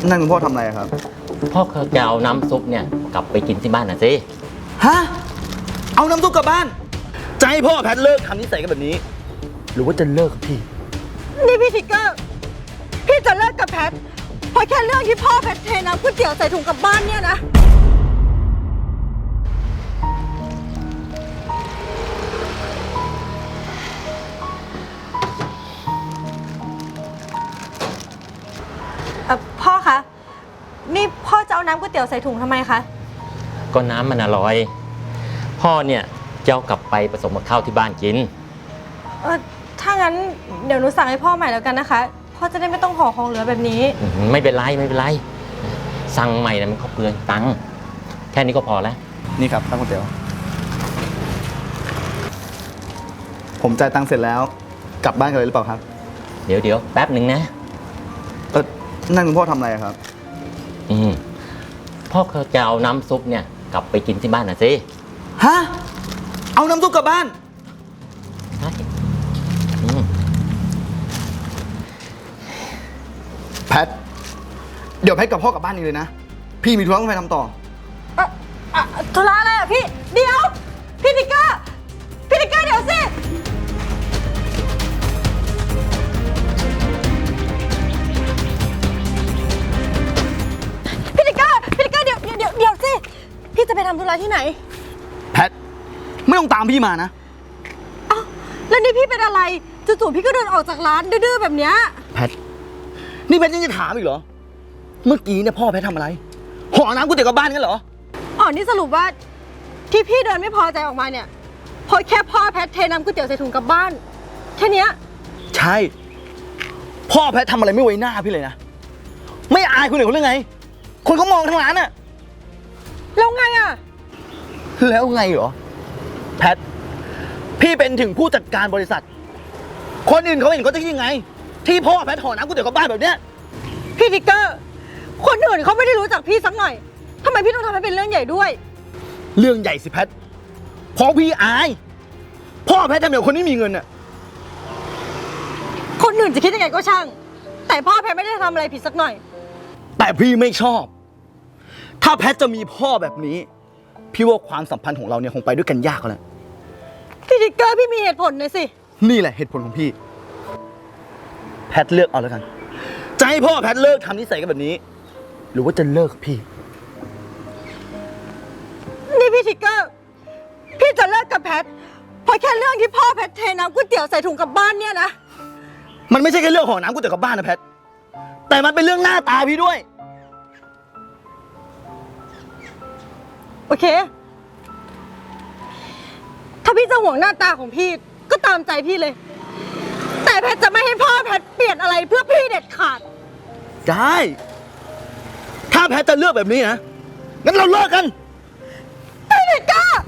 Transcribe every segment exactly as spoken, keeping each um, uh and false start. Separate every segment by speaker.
Speaker 1: นั่นคุณพ่อทำอะไรครับ
Speaker 2: พ่อเขาจะเอาน้ำซุปเนี่ยกลับไปกินที่บ้านนะสิ
Speaker 1: ฮะเอาน้ำซุปกลับบ้านจะให้พ่อแพทเลิกทำนิสัยกันแบบนี้หรือว่าจะเลิกกับพี่
Speaker 3: นี่พี่ทิกเกอร์พี่จะเลิกกับแพทเพราะแค่เรื่องที่พ่อแพทเทน้ำก๋วยเตี๋ยวใส่ถุงกลับบ้านเนี่ยนะพ่อคะนี่พ่อจะเอาน้ำก๋วยเตี๋ยวใส่ถุงทำไมคะ
Speaker 2: ก็น้ำมันอร่อยพ่อเนี่ยจะเอากลับไปผสมกับข้าวที่บ้านกิน
Speaker 3: เออถ้างั้นเดี๋ยวหนูสั่งให้พ่อใหม่แล้วกันนะคะพ่อจะได้ไม่ต้องห่อของเหลือแบบนี้
Speaker 2: ไม่เป็นไรไม่เป็นไรสั่งใหม่นะมันก็เปลืองตังค์แค่นี้ก็พอแล้ว
Speaker 1: นี่ครับน้ำก๋วยเตี๋ยวผมจ่ายตังค์เสร็จแล้วกลับบ้านกันเลยหรือเปล่าครับ
Speaker 2: เดี๋ยวเดี๋ยวแป๊บหนึ่งนะ
Speaker 1: เออนั่นคุณพ่อทำอะไรครับ
Speaker 2: อืมพ่อเขาจะเอาน้ำซุปเนี่ยกลับไปกินที่บ้านนะสิ
Speaker 1: ฮะเอาน้ำซุปกลับบ้าน
Speaker 2: ใช่อืม
Speaker 1: แพทเดี๋ยวแพทกับพ่อกลับบ้านนี้เลยนะพี่มีธุระต้องไปทำต่อ
Speaker 3: อะอะธุระอะไรอ่ะพี่เดี๋ยวพี่ทิกเกอร์พี่ทิกเกอร์เดี๋ยวสิพี่ทิกเกอร์พี่ทิกเกอร์เดี๋ยวเดี๋ยวเดี๋ยวสิพี่จะไปทำธุระที่ไหน
Speaker 1: แพทไม่ต้องตามพี่มานะ
Speaker 3: อ้าวแล้วนี่พี่เป็นอะไรจู่ๆพี่ก็เดินออกจากร้านดื้อๆแบบเนี้ย
Speaker 1: แพทนี่แพทยังจะถามอีกเหรอเมื่อกี้เนี่ยพ่อแพททำอะไรห่อน้ำก๋วยเตี๋ยวกลับบ้านกันเหรอ
Speaker 3: อ๋อนี่สรุปว่าที่พี่เดินไม่พอใจออกมาเนี่ยเพราะแค่พ่อแพทเทน้ำก๋วยเตี๋ยวใส่ถุงกลับบ้านแค่เนี้ย
Speaker 1: ใช่พ่อแพททำอะไรไม่ไว้หน้าพี่เลยนะไม่อายคนอื่นเขาเรื่องไงคนเขามองทั้งร้านอะ
Speaker 3: แล้วไงอะ
Speaker 1: แล้วไงเหรอแพทพี่เป็นถึงผู้จัดการบริษัทคนอื่นเขาเห็นเขาจะคิดยังไงที่พ่อแพทห่อน้ำก๋วยเตี๋ยวกลับบ้านแบบเนี้ย
Speaker 3: พี่ทิกเกอร์คนอื่นเขาไม่ได้รู้จักพี่สักหน่อยทำไมพี่ต้องทำให้เป็นเรื่องใหญ่ด้วย
Speaker 1: เรื่องใหญ่สิแพทเพราะพี่อายพ่อแพททำอย่างคนไม่มีเงินน่ะ
Speaker 3: คนอื่นจะคิดยังไงก็ช่างแต่พ่อแพทไม่ได้ทำอะไรผิดสักหน่อย
Speaker 1: แต่พี่ไม่ชอบถ้าแพทจะมีพ่อแบบนี้พี่ว่าความสัมพันธ์ของเราเนี่ยคงไปด้วยกันยากแล้ว
Speaker 3: พี่ทิกเกอร์พี่มีเหตุผลหน่อยสิ
Speaker 1: นี่แหละเหตุผลของพี่แพทเลือกเอาแล้วกันจะให้พ่อแพทเลิกทำนิสัยกันแบบนี้หรือว่าจะเลิกกับพี่
Speaker 3: นี่พี่ทิกเกอร์พี่จะเลิกกับแพทเพราะแค่เรื่องที่พ่อแพทเทน้ำก๋วยเตี๋ยวใส่ถุงกลับบ้านเนี่ยนะ
Speaker 1: มันไม่ใช่แค่เรื่องห่อน้ำก๋วยเตี๋ยวกลับบ้านนะแพทแต่มันเป็นเรื่องหน้าตาพี่ด้วย
Speaker 3: โอเคถ้าพี่จะห่วงหน้าตาของพี่ก็ตามใจพี่เลยแต่แพทจะไม่ให้พ่อแพทเปลี่ยนอะไรเพื่อพี่เด็ดขาด
Speaker 1: ได้ถ้าแพทจะเลือกแบบนี้นะงั้นเราเลิกกัน
Speaker 3: พี่ทิกเกอร์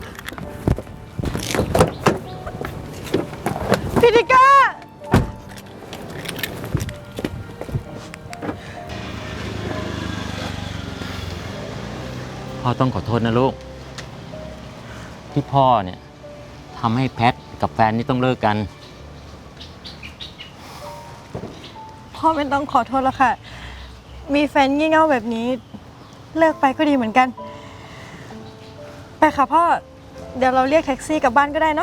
Speaker 3: พี่ทิกเกอร์
Speaker 2: พ่อต้องขอโทษนะลูกที่พ่อเนี่ยทำให้แพทกับแฟนนี่ต้องเลิกกัน
Speaker 3: พ่อไม่ต้องขอโทษแล้วค่ะมีแฟนงี่เง่าแบบนี้เลิกไปก็ดีเหมือนกันไปค่ะพ่อเดี๋ยวเราเรียกแท็กซี่กลับบ้านก็ได้เนาะ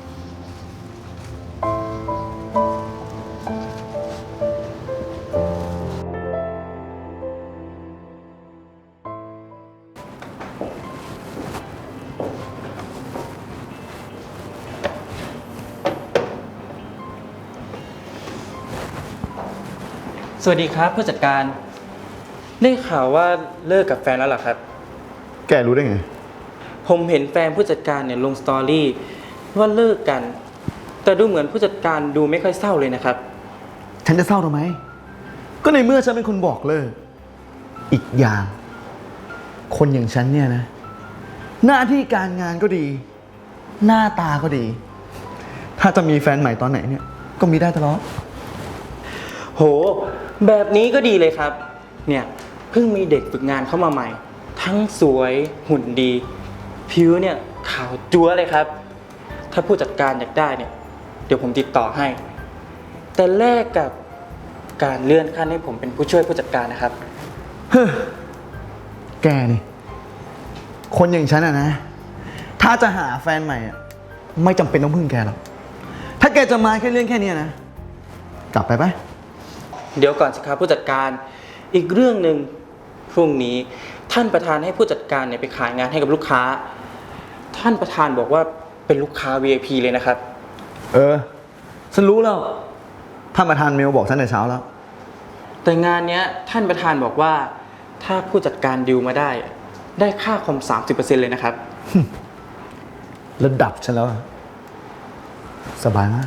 Speaker 4: สวัสดีครับผู้จัดการได้ข่าวว่าเลิกกับแฟนแล้วเหรอครับ
Speaker 1: แกรู้ได้ไง
Speaker 4: ผมเห็นแฟนผู้จัดการเนี่ยลงสตอรี่ว่าเลิกกันแต่ดูเหมือนผู้จัดการดูไม่ค่อยเศร้าเลยนะครับ
Speaker 1: ฉันจะเศร้าทำไมก็ในเมื่อฉันเป็นคนบอกเลิกอีกอย่างคนอย่างฉันเนี่ยนะหน้าที่การงานก็ดีหน้าตาก็ดีถ้าจะมีแฟนใหม่ตอนไหนเนี่ยก็มีได้ตลอด
Speaker 4: โหแบบนี้ก็ดีเลยครับเนี่ยเพิ่งมีเด็กฝึกงานเข้ามาใหม่ทั้งสวยหุ่นดีผิวเนี่ยขาวจั๊วเลยครับถ้าผู้จัดการอยากได้เนี่ยเดี๋ยวผมติดต่อให้แต่แลกกับการเลื่อนขั้นให้ผมเป็นผู้ช่วยผู้จัดการนะครับ
Speaker 1: เฮ้อแกนี่ คนอย่างฉันอะนะ ถ้าจะหาแฟนใหม่อะไม่จำเป็นต้องพึ่งแกหรอก ถ้าแกจะมาแค่เรื่องแค่เนี้ยนะ กลับไปไหม
Speaker 4: เดี๋ยวก่อนสิครับผู้จัดการ อีกเรื่องหนึ่งพรุ่งนี้ท่านประธานให้ผู้จัดการเนี่ยไปขายงานให้กับลูกค้า ท่านประธานบอกว่าเป็นลูกค้า วี ไอ พี เลยนะครับ
Speaker 1: เออ ฉันรู้แล้ว ท่านประธานเมลบอกฉันแต่เช้าแล้ว
Speaker 4: แต่งานเนี้ยท่านประธานบอกว่าถ้าผู้จัดการดิวมาได้ ได้ค่าคอม สามสิบเปอร์เซ็นต์ เลยนะครับ
Speaker 1: ระดับฉันแล้วอะสบายมาก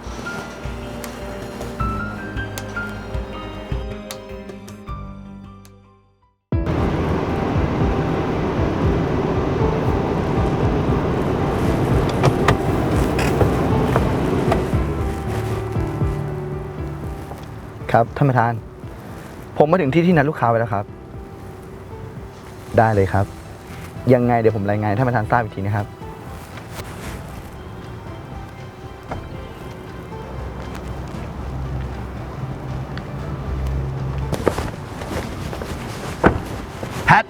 Speaker 1: ครับ ท่านประธาน ผมมาถึงที่ที่นัดลูกค้าไว้แล้วครับ ได้เลยครับ ยังไงเดี๋ยวผมรายงานให้ท่านประธานทราบอีกทีนะครับ แพท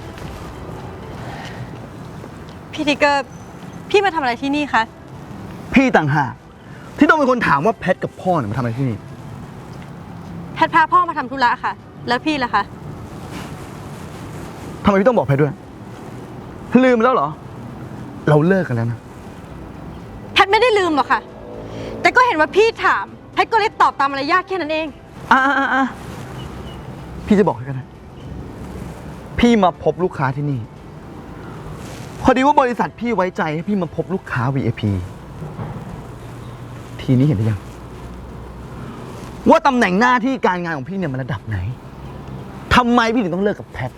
Speaker 3: พี่ทิกเกอร์ พี่มาทำอะไรที่นี่คะ
Speaker 1: พี่ต่างหากที่ต้องเป็นคนถามว่าแพทกับพ่อเนี่ยมาทำอะไรที่นี่
Speaker 3: แพทพาพ่อมาทำธุระค่ะ แล้วพี่ล่ะคะ
Speaker 1: ทำไมพี่ต้องบอกแพทด้วย ลืมแล้วเหรอ เราเลิกกันแล้วนะ
Speaker 3: แพทไม่ได้ลืมหรอกค่ะ แต่ก็เห็นว่าพี่ถาม แพทก็เลยตอบตามมารยาทแค่นั้นเอง
Speaker 1: อ่ะอ่ะอ่ะพี่จะบอกให้กันนะ พี่มาพบลูกค้าที่นี่ พอดีว่าบริษัทพี่ไว้ใจให้พี่มาพบลูกค้า วี ไอ พี ทีนี้เห็นหรือยัง ว่าตำแหน่งหน้าที่การงานของพี่เนี่ยมันระดับไหน ทำไมพี่ถึงต้องเลิกกับแพท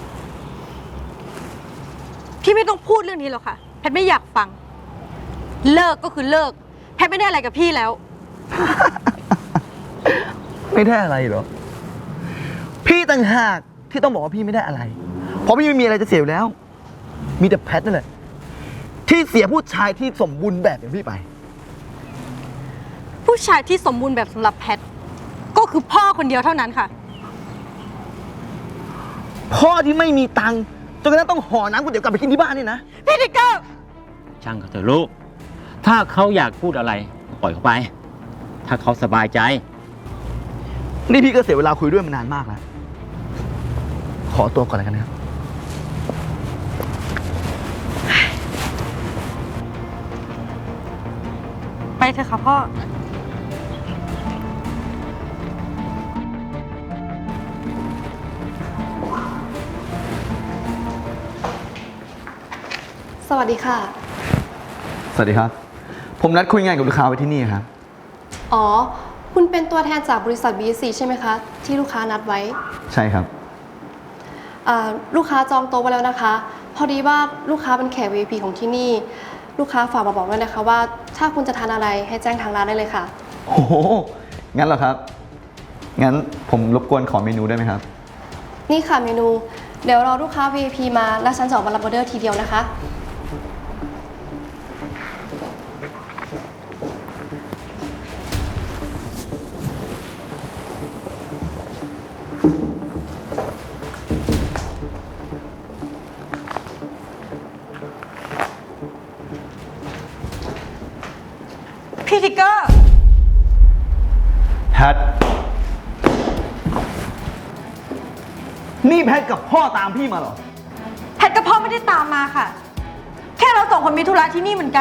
Speaker 3: พี่ไม่ต้องพูดเรื่องนี้หรอกค่ะ แพทไม่อยากฟัง เลิกก็คือเลิก แพทไม่ได้อะไรกับพี่แล้ว
Speaker 1: ไม่ได้อะไรเหรอ พี่ต่างหากที่ต้องบอกว่าพี่ไม่ได้อะไร เพราะพี่ไม่มีอะไรจะเสียอยู่แล้ว มีแต่แพทนั่นแหละที่เสียผู้ชายที่สมบูรณ์แบบอย่างพี่ไป
Speaker 3: ผู้ชายที่สมบูรณ์แบบสำหรับแพทก็คือพ่อคนเดียวเท่านั้นค่ะ
Speaker 1: พ่อที่ไม่มีตังค์จนกระทั่งต้องห่อน้ำก๋วยเตี๋ยวกลับไปกินที่บ้านนี่นะ
Speaker 3: พี่ทิกเกอร์
Speaker 2: ช่างเขาเถอะลูก ถ้าเขาอยากพูดอะไรปล่อยเขาไป ถ้าเขาสบายใจ
Speaker 1: นี่พี่ก็เสียเวลาคุยด้วยมานานมากแล้ว ขอตัวก่อนเลยกันนะครับ
Speaker 3: ไปเถอะค่ะพ่อ
Speaker 5: สวัสดีค่ะ
Speaker 1: สวัสดีครับ ผมนัดคุยงานกับลูกค้าไว้ที่นี่ครับ
Speaker 5: อ๋อ คุณเป็นตัวแทนจากบริษัท บี เอส ซี ใช่ไหมคะ ที่ลูกค้านัดไว้
Speaker 1: ใช่ครับ
Speaker 5: อ่าลูกค้าจองโต๊ะไว้แล้วนะคะ พอดีว่าลูกค้าเป็นแขก วี ไอ พี ของที่นี่ ลูกค้าฝากมาบอกด้วยนะคะว่าถ้าคุณจะทานอะไรให้แจ้งทางร้านได้เลยค่ะ
Speaker 1: โอ้โห งั้นเหรอครับ งั้นผมรบกวนขอเมนูได้ไหมครับ
Speaker 5: นี่ค่ะเมนู เดี๋ยวรอลูกค้า วี ไอ พี มาแล้วฉันจะออกมารับออเดอร์ทีเดียวนะคะ
Speaker 3: พี่ทิกเกอร์
Speaker 1: แพท นี่แพทกับพ่อตามพี่มาเหรอ
Speaker 3: แพทกับพ่อไม่ได้ตามมาค่ะ แค่เราสองคนมีธุระที่นี่เหมือนกัน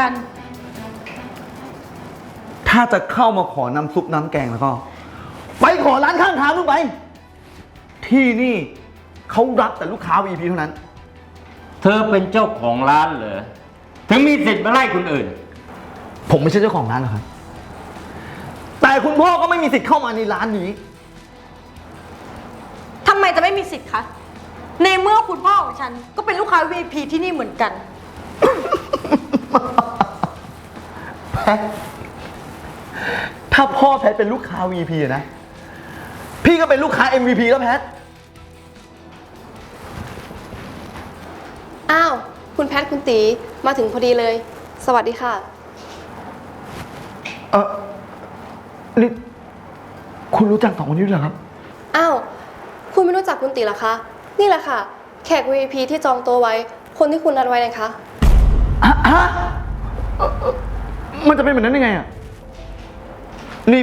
Speaker 1: ถ้าจะเข้ามาขอน้ำซุปน้ำแกงแล้วก็ ไปขอร้านข้างทางนู่นไป ที่นี่เขารับแต่ลูกค้า วี ไอ พี เท่านั้น
Speaker 2: เธอเป็นเจ้าของร้านเหรอ ถึงมีสิทธิ์มาไล่คนอื่น
Speaker 1: ผมไม่ใช่เจ้าของร้านหรอกครับ แต่คุณพ่อก็ไม่มีสิทธิ์เข้ามาในร้านนี้
Speaker 3: ทำไมจะไม่มีสิทธิ์คะ ในเมื่อคุณพ่อของฉันก็เป็นลูกค้า วี ไอ พี ที่นี่เหมือนกัน
Speaker 1: แพท ถ้าพ่อแพทเป็นลูกค้า วี ไอ พี อะนะ พี่ก็เป็นลูกค้า เอ็ม วี พี แล้วแพท
Speaker 5: อ้าว คุณแพทคุณตีมาถึงพอดีเลย สวัสดีค่ะ
Speaker 1: เออนี่คุณรู้จักสองคนนี้ด้วยเหรอครับ
Speaker 5: อ้าว คุณไม่รู้จักคุณตีเหรอคะนี่แหละค่ะ แขก วี ไอ พี ที่จองโต๊ะไว้ คนที่คุณนัดไว้นะคะ
Speaker 1: ฮะฮะเอ่อเอ่อมันจะเป็นแบบนั้นได้ไงอ่ะ นี่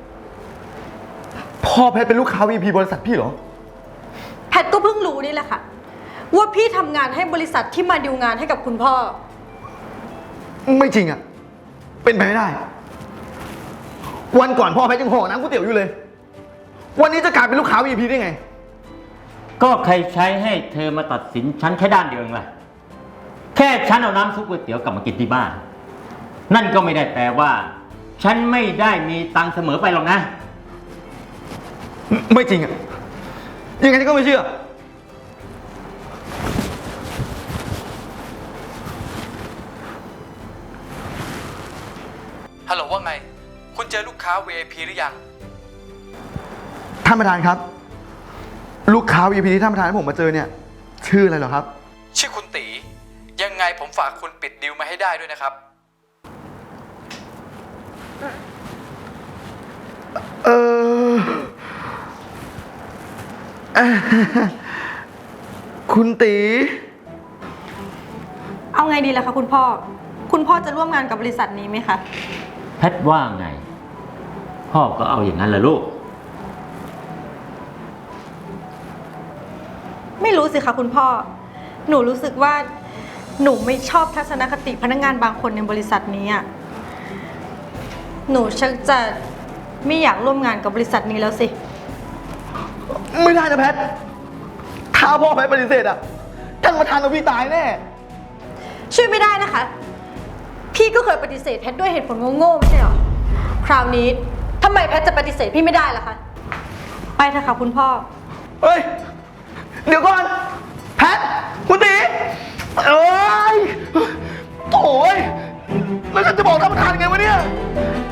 Speaker 1: พ่อแพทเป็นลูกค้า วี พี บริษัทพี่เหรอ
Speaker 3: แพทก็เพิ่งรู้นี่แหละค่ะ ว่าพี่ทำงานให้บริษัทที่มาดีลงานให้กับคุณพ่อ
Speaker 1: ไม่จริงอ่ะ เป็นไปไม่ได้ วันก่อนพ่อแพทยังห่อน้ำก๋วยเตี๋ยวอยู่เลย วันนี้จะกลายเป็นลูกค้า วี พี ได้ไง
Speaker 2: ก็ใครใช้ให้เธอมาตัดสินฉันแค่ด้านเดียวเองล่ะ แค่ฉันเอาน้ำซุปก๋วยเตี๋ยวกลับมากินที่บ้าน นั่นก็ไม่ได้แปลว่า ฉันไม่ได้มีตังค์เสมอไปหรอกนะ
Speaker 1: ไม่ไม่จริงอ่ะ ยังไงฉันก็ไม่เชื่อ
Speaker 6: ฮัลโหลว่าไง คุณเจอลูกค้า วี ไอ พี หรือยัง
Speaker 1: ท่านประธานครับ ลูกค้า วี พี ที่ท่านประธานให้ผมมาเจอเนี่ย ชื่ออะไรเหรอครับ
Speaker 6: ชื่อคุณตี ยังไงผมฝากคุณปิดดีลมาให้ได้ด้วยนะครับ
Speaker 1: เออเอ่อคุณตี
Speaker 3: เอาไงดีล่ะคะคุณพ่อ คุณพ่อจะร่วมงานกับบริษัทนี้ไหมคะ
Speaker 2: แพทว่าไง พ่อก็เอาอย่างนั้นแหละลูก
Speaker 3: ไม่รู้สิคะคุณพ่อ หนูรู้สึกว่าหนูไม่ชอบทัศนคติพนักงานบางคนในบริษัทนี้อ่ะ หนูชักจะไม่อยากร่วมงานกับบริษัทนี้แล้วสิ
Speaker 1: ไม่ได้นะแพท ถ้าพ่อแพทปฏิเสธอ่ะ ท่านประธานเอาพี่ตายแน่
Speaker 3: ช่วยไม่ได้นะคะ พี่ก็เคยปฏิเสธแพทด้วยเหตุผลโง่ๆไม่ใช่หรอ คราวนี้ทำไมแพทจะปฏิเสธพี่ไม่ได้ล่ะคะ ไปเถอะค่ะคุณพ่อ
Speaker 1: เฮ้ย เดี๋ยวก่อน แพท คุณตีเอ้ยโถ่ยแล้วฉันจะบอกท่านประธานไงวะเนี่ย